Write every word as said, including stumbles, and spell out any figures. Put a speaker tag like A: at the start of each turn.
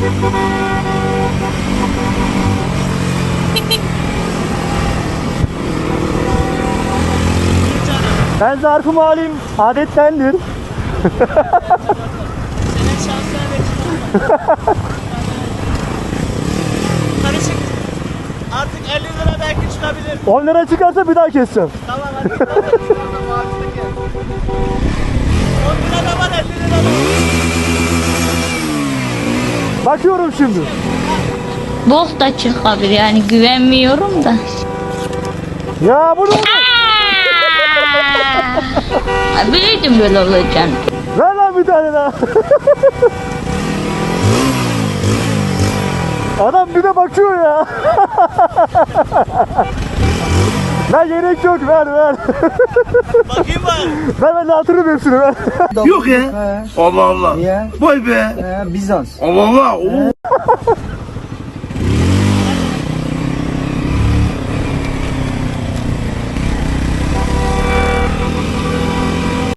A: Ben zarfımı alayım, adettendir.
B: Senin şansına bekliyorum. Karışık. Artık elli lira belki çıkabilir.
A: on lira çıkarsa bir daha keseceğim.
B: Tamam hadi. on lira da var, elli lira da var.
A: Bakıyorum şimdi.
C: Bok da çıkabilir yani güvenmiyorum da.
A: Ya bunu
C: Aa, biliyordum böyle olacağını.
A: ver lan bir tane daha. Adam bir de bakıyor ya. Ver, gerek yok, ver ver.
B: Bakayım var.
A: Ver, ben dağıtırım hepsini, ver.
D: Yok ya. Allah Allah.
E: Ya,
D: Vay be.
E: e, Bizans.
D: Allah Allah. Oo.